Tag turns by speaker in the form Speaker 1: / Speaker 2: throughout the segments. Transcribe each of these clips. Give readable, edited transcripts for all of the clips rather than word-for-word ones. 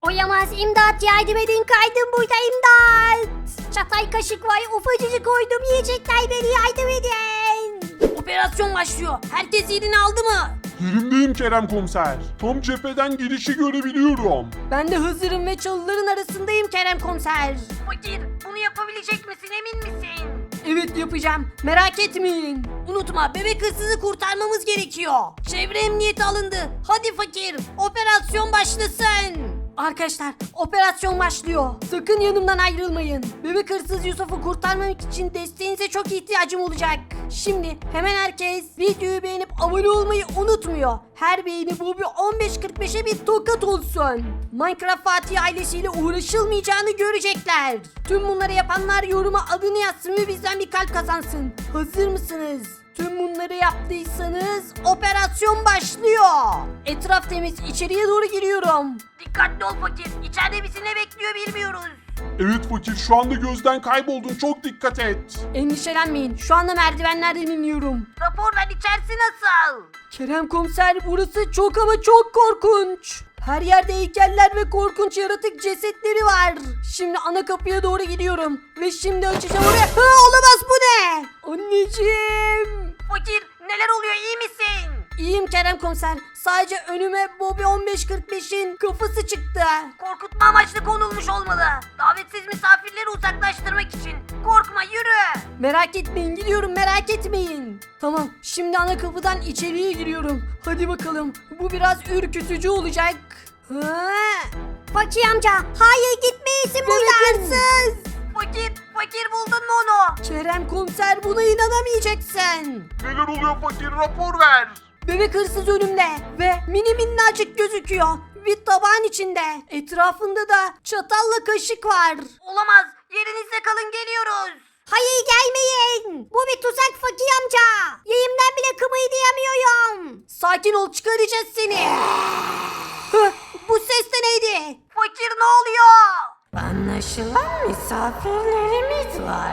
Speaker 1: Oyamaz, imdat, yardım edin, kaydım burada, imdat. Çatay kaşık var, ufacıcık koydum, yiyecekler beni, yardım edin.
Speaker 2: Operasyon başlıyor. Herkes yerini aldı mı?
Speaker 3: Yerimdeyim Kerem komiser. Tam cepheden girişi görebiliyorum.
Speaker 2: Ben de hazırım ve çalıların arasındayım Kerem komiser. Fakir, bunu yapabilecek misin, emin misin? Evet, yapacağım. Merak etmeyin. Unutma, bebek hırsızı kurtarmamız gerekiyor. Çevre emniyeti alındı. Hadi fakir, operasyon başlasın. Arkadaşlar, operasyon başlıyor. Sakın yanımdan ayrılmayın. Bebek hırsız Yusuf'u kurtarmak için desteğinize çok ihtiyacım olacak. Şimdi hemen herkes videoyu beğenip abone olmayı unutmuyor. Her beğeni bu bir 15.45'e bir tokat olsun. Minecraft Fatih ailesiyle uğraşılmayacağını görecekler. Tüm bunları yapanlar yoruma adını yazsın ve bizden bir kalp kazansın. Hazır mısınız? Tüm bunları yaptıysanız operasyon başlıyor. Etraf temiz, içeriye doğru giriyorum. Dikkatli ol fakir, içeride bizi ne bekliyor bilmiyoruz.
Speaker 3: Evet fakir, şu anda gözden kayboldun, çok dikkat et.
Speaker 2: Endişelenmeyin, şu anda merdivenlerden iniyorum. Rapor ver, içerisi nasıl? Kerem komiser, burası çok ama çok korkunç. Her yerde heykeller ve korkunç yaratık cesetleri var. Şimdi ana kapıya doğru gidiyorum. Ve şimdi açacağım oraya. Ha, olamaz, bu ne? Anneciğim. Fakir, neler oluyor, iyi misin? İyiyim Kerem komiser. Sadece önüme Bobby 1545'in kafası çıktı. Korkutma amaçlı konulmuş olmalı. Davetsiz misafirleri uzaklaştırmak için. Korkma, yürü. Merak etmeyin, gidiyorum, merak etmeyin. Tamam, şimdi ana kapıdan içeriye giriyorum. Hadi bakalım, bu biraz ürkütücü olacak.
Speaker 1: Fakir amca, hayır, gitmeyesin buradan.
Speaker 2: Fakir buldun mu onu? Kerem komiser, buna inanamayacaksın.
Speaker 3: Neler oluyor fakir, rapor ver.
Speaker 2: Bebek hırsız önümde ve mini minnacık gözüküyor. Bir tabağın içinde. Etrafında da çatalla kaşık var. Olamaz. Yerinizde kalın, geliyoruz.
Speaker 1: Hayır, gelmeyin. Bu bir tuzak Fakir amca. Yayımdan bile kımıldayamıyorum.
Speaker 2: Sakin ol, çıkaracağız seni. Hah, bu ses de neydi? Fakir, ne oluyor?
Speaker 4: Anlaşılan misafirlerimiz var.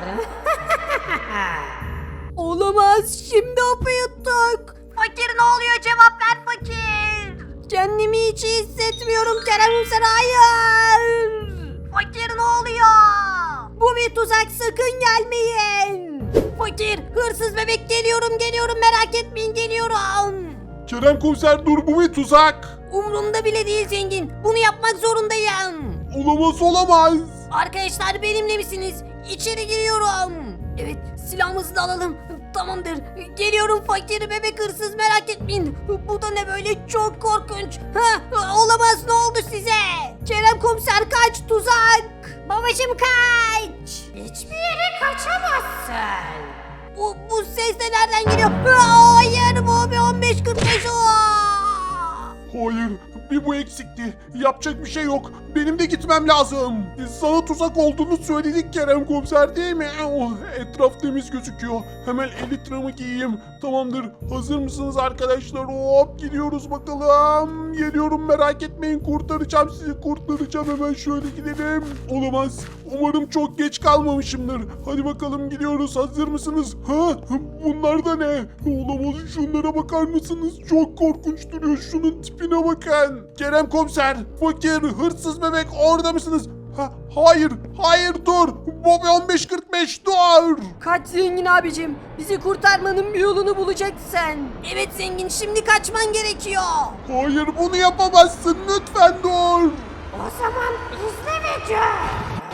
Speaker 2: Olamaz, şimdi hapı yuttuk. Fakir, ne oluyor, cevap ver fakir. Kendimi hiç iyi hissetmiyorum Kerem komiser, hayır. Fakir, ne oluyor? Bu bir tuzak, sakın gelmeyin. Fakir, hırsız bebek, geliyorum, merak etmeyin, geliyorum.
Speaker 3: Kerem komiser dur, bu bir tuzak.
Speaker 2: Umrumda bile değil zengin, bunu yapmak zorundayım.
Speaker 3: Olamaz.
Speaker 2: Arkadaşlar, benimle misiniz? İçeri giriyorum. Evet, silahımızı da alalım. Tamamdır. Geliyorum fakir, bebek hırsız, merak etmeyin. Bu da ne böyle, çok korkunç. Olamaz, ne oldu size? Kerem komiser, kaç, tuzak.
Speaker 1: Babacım, kaç.
Speaker 4: Hiçbir yere kaçamazsın.
Speaker 2: Bu ses de nereden geliyor? Hayır, bu bir 1545.
Speaker 3: Hayır, bir bu eksikti. Yapacak bir şey yok. Benim de gitmem lazım. Sana tuzak olduğunu söyledik Kerem komiser, değil mi? Oh, etraf temiz gözüküyor. Hemen elitramı giyeyim. Tamamdır. Hazır mısınız arkadaşlar? Hop, gidiyoruz bakalım. Geliyorum, merak etmeyin. Kurtaracağım sizi. Kurtaracağım. Hemen şöyle gidelim. Olamaz. Umarım çok geç kalmamışımdır. Hadi bakalım, gidiyoruz. Hazır mısınız? Ha? Bunlar da ne? Olamaz. Şunlara bakar mısınız? Çok korkunç duruyor. Şunun tipine bakın. Kerem komiser, fakir, hırsız bebek, orada mısınız? Hayır dur. Bobby 1545 dur.
Speaker 2: Kaç zengin abicim, bizi kurtarmanın bir yolunu bulacaksın. Evet zengin, şimdi kaçman gerekiyor.
Speaker 3: Hayır, bunu yapamazsın. Lütfen dur.
Speaker 4: O zaman izle ve gör.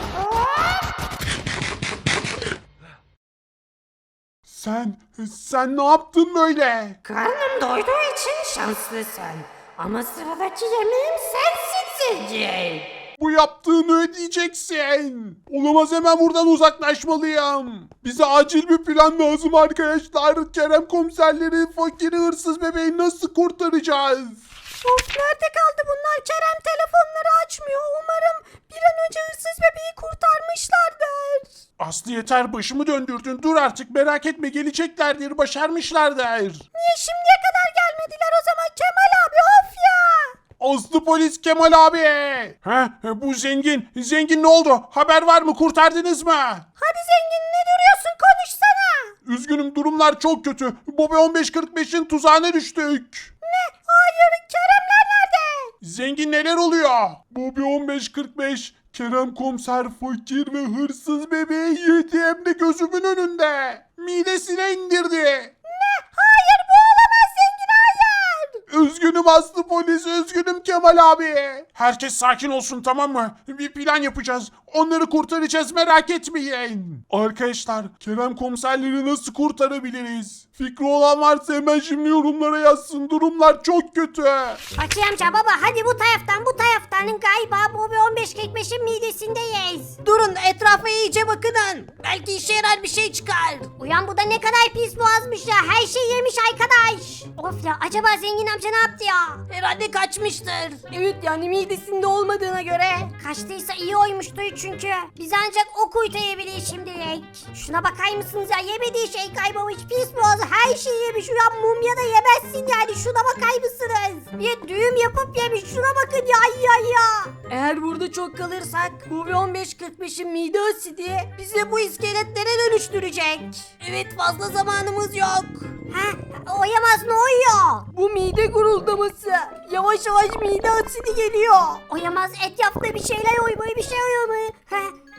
Speaker 3: Sen ne yaptın böyle?
Speaker 4: Karnım doyduğu için şanslısın. Ama sıradaki yemeğim sensin zengin.
Speaker 3: Bu yaptığını ödeyeceksin. Olamaz, hemen buradan uzaklaşmalıyım. Bize acil bir plan lazım arkadaşlar. Kerem komiserleri, fakiri, hırsız bebeği nasıl kurtaracağız?
Speaker 2: Of, nerede kaldı bunlar? Kerem telefonları açmıyor. Umarım bir an önce hırsız bebeği kurtarmışlardır.
Speaker 3: Aslı yeter, başımı döndürdün. Dur artık, merak etme, geleceklerdir, başarmışlardır.
Speaker 2: Niye şimdiye kadar gelmediler o zaman Kemal abi, of ya.
Speaker 3: Aslı polis Kemal abi. Bu zengin. Zengin, ne oldu? Haber var mı? Kurtardınız mı?
Speaker 2: Hadi zengin, ne duruyorsun, konuşsana.
Speaker 3: Üzgünüm, durumlar çok kötü. Bobby 1545'in tuzağına düştük.
Speaker 2: Ne? Hayır, Keremler nerede?
Speaker 3: Zengin neler oluyor? Bobby 1545 Kerem komiser fakir ve hırsız bebeği yedi hem de gözümün önünde. Midesine indirdi.
Speaker 1: Hayır bu olamaz zengin hayır.
Speaker 3: Üzgünüm Aslı polis, üzgünüm Kemal abi. Herkes sakin olsun, tamam mı? Bir plan yapacağız. Onları kurtaracağız, merak etmeyin. Arkadaşlar, Kerem komiserleri nasıl kurtarabiliriz? Fikri olan varsa hemen şimdi yorumlara yazsın. Durumlar çok kötü.
Speaker 1: Fakir amca baba hadi bu taraftan galiba Bobby 1545'in midesindeyiz.
Speaker 2: Durun, etrafa iyice bakının. Belki işe yarar bir şey çıkar.
Speaker 1: Uyan bu da ne kadar pis boğazmış ya. Her şeyi yemiş arkadaş. Of ya acaba zengin amca ne yaptı ya?
Speaker 2: Herhalde kaçmıştır. Evet, yani midesinde olmadığına göre.
Speaker 1: Kaçtıysa iyi oymuştu çünkü. Biz ancak o kurtarabiliriz şimdilik. Şuna bakar mısınız ya? Yemediği şey kaybolmuş. Pis boğazı her şeyi yemiş. Uyan mumya da yemezsin yani. Şuna bakar mısınız? Bir düğüm yapıp yemiş. Şuna bakın ya.
Speaker 2: Eğer burada çok kalırsak Bobby 1545'in mide asidi bizi bu iskeletlere dönüştürecek. Evet, fazla zamanımız yok.
Speaker 1: Ha, oyamaz ne oyuyor?
Speaker 2: Bu mide guruldaması. Yavaş yavaş mide asidi geliyor.
Speaker 1: Oyamaz etrafta bir şeyler oymayı bir şey oymayı. Ha,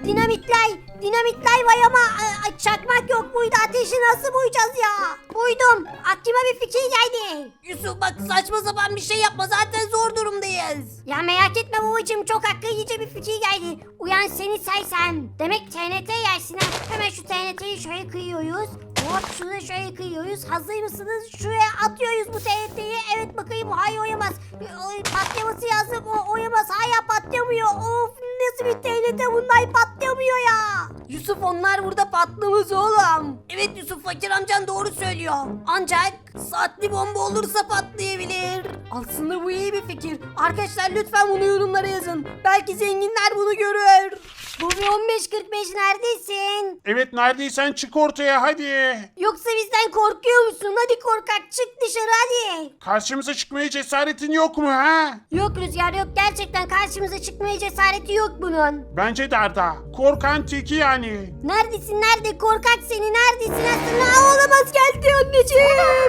Speaker 1: dinamitler var ama çakmak yok buydu. Ateşi nasıl buyacağız ya? Buydum. Aklıma bir fikir geldi.
Speaker 2: Yusuf bak, saçma sapan bir şey yapma, zaten zor durumdayız.
Speaker 1: Ya merak etme babacığım çok akıllıca bir fikir geldi. Uyan seni saysam. Demek TNT yersin ha. Hemen şu TNT'yi şöyle kıyıyoruz. Hop şunu şöyle kıyıyoruz. Hazır mısınız? Şuraya atıyoruz bu TNT'yi. Evet bakayım hayır oyamaz. Patlaması lazım. O oyamaz. Hala patlamıyor. Of nasıl bir TNT bunlar patlamıyor ya.
Speaker 2: Yusuf, onlar burada patlamaz oğlum. Evet Yusuf, fakir amcan doğru söylüyor. Ancak saatli bomba olursa patlayabilir. Aslında bu iyi bir fikir. Arkadaşlar lütfen bunu yorumlara yazın. Belki zenginler bunu görür.
Speaker 1: Bobby 1545 neredesin?
Speaker 3: Evet, neredeysen çık ortaya hadi.
Speaker 1: Yoksa bizden korkuyor musun? Hadi korkak çık dışarı hadi.
Speaker 3: Karşımıza çıkmaya cesaretin yok mu ha?
Speaker 1: Yok Rüzgar yok gerçekten karşımıza çıkmaya cesareti yok bunun.
Speaker 3: Bence de Arda. Korkan teki yani.
Speaker 1: Neredesin nerede korkak seni neredesin aslında olamaz geldi anneciğim.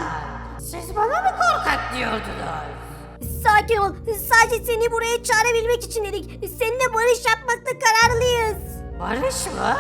Speaker 4: Siz bana mı korkak diyordunuz?
Speaker 1: Sakin ol sadece seni buraya çağırabilmek için dedik. Seninle barış yapmakta kararlıyız.
Speaker 4: Barış mı?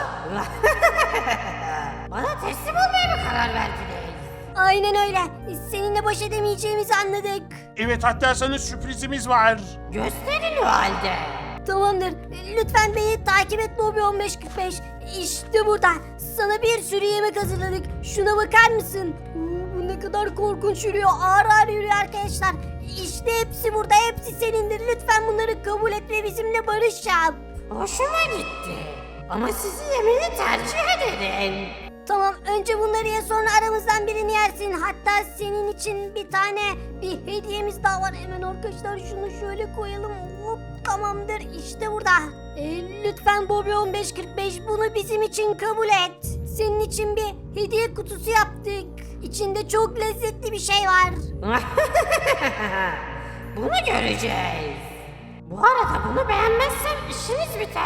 Speaker 4: Bana teslim olmaya mı karar verdiniz?
Speaker 1: Aynen öyle seninle baş edemeyeceğimizi anladık.
Speaker 3: Evet, hatta sana sürprizimiz var.
Speaker 4: Gösterin o halde.
Speaker 1: Tamamdır lütfen beni takip et Bobby 1545. İşte burada sana bir sürü yemek hazırladık. Şuna bakar mısın? Bu ne kadar korkunç yürüyor ağır ağır yürüyor arkadaşlar. İşte hepsi burada hepsi senindir. Lütfen bunları kabul et ve bizimle barış yap.
Speaker 4: Hoşuma gitti. Ama sizi yemeni tercih ederim.
Speaker 1: Tamam önce bunları ye sonra aramızdan birini yersin. Hatta senin için bir hediyemiz daha var. Hemen arkadaşlar şunu şöyle koyalım. Hop, tamamdır işte burada. Lütfen Bobby 1545 bunu bizim için kabul et. Senin için bir hediye kutusu yaptık. İçinde çok lezzetli bir şey var.
Speaker 4: Bunu göreceğiz. Bu arada bunu beğenmezsem işiniz biter.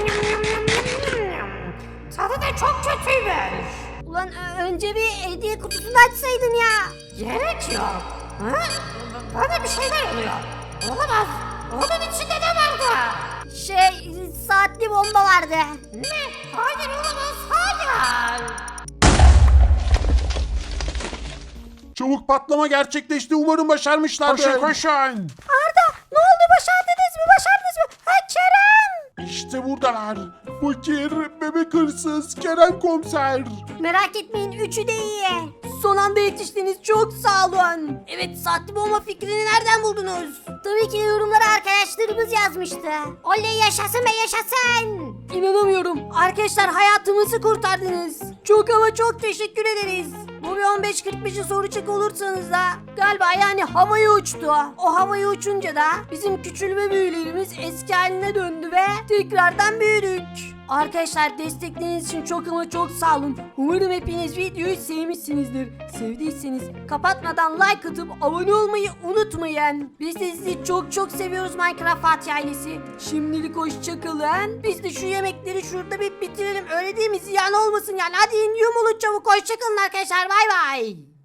Speaker 4: Tadı da çok kötüymüş.
Speaker 1: Ulan önce bir hediye kutusunu açsaydın ya.
Speaker 4: Gerek yok. Ha? Bana bir şeyler oluyor. Olamaz. Onun içinde ne vardı?
Speaker 1: Saatli bomba vardı.
Speaker 4: Ne? Hayır olamaz. Hayır.
Speaker 3: Çabuk patlama gerçekleşti. Umarım başarmışlardır. Koşun koşun.
Speaker 1: Arda ne oldu başardınız mı? Ha Kerem.
Speaker 3: İşte buradalar. Fakir, bebek hırsız, Kerem komiser.
Speaker 1: Merak etmeyin üçü de iyi.
Speaker 2: Son anda yetiştiniz, çok sağ olun. Evet, saatli bomba fikrini nereden buldunuz?
Speaker 1: Tabii ki yorumlara arkadaşlarımız yazmıştı. Oley yaşasın be yaşasın.
Speaker 2: İnanamıyorum. Arkadaşlar hayatımızı kurtardınız. Çok ama çok teşekkür ederiz. Bobby 1545'i soracak olursanız da galiba yani havaya uçtu. O havaya uçunca da bizim küçülme büyülerimiz eski haline döndü ve tekrardan büyüdük. Arkadaşlar destekleriniz için çok ama çok sağ olun. Umarım hepiniz videoyu sevmişsinizdir. Sevdiyseniz kapatmadan like atıp abone olmayı unutmayın. Biz de sizi çok çok seviyoruz Minecraft Fatih ailesi. Şimdilik hoşçakalın. Biz de şu yemekleri şurada bir bitirelim. Öyle değil mi? Ziyan olmasın yani. Hadi yumulun çabuk. Hoşçakalın arkadaşlar. Bay bay.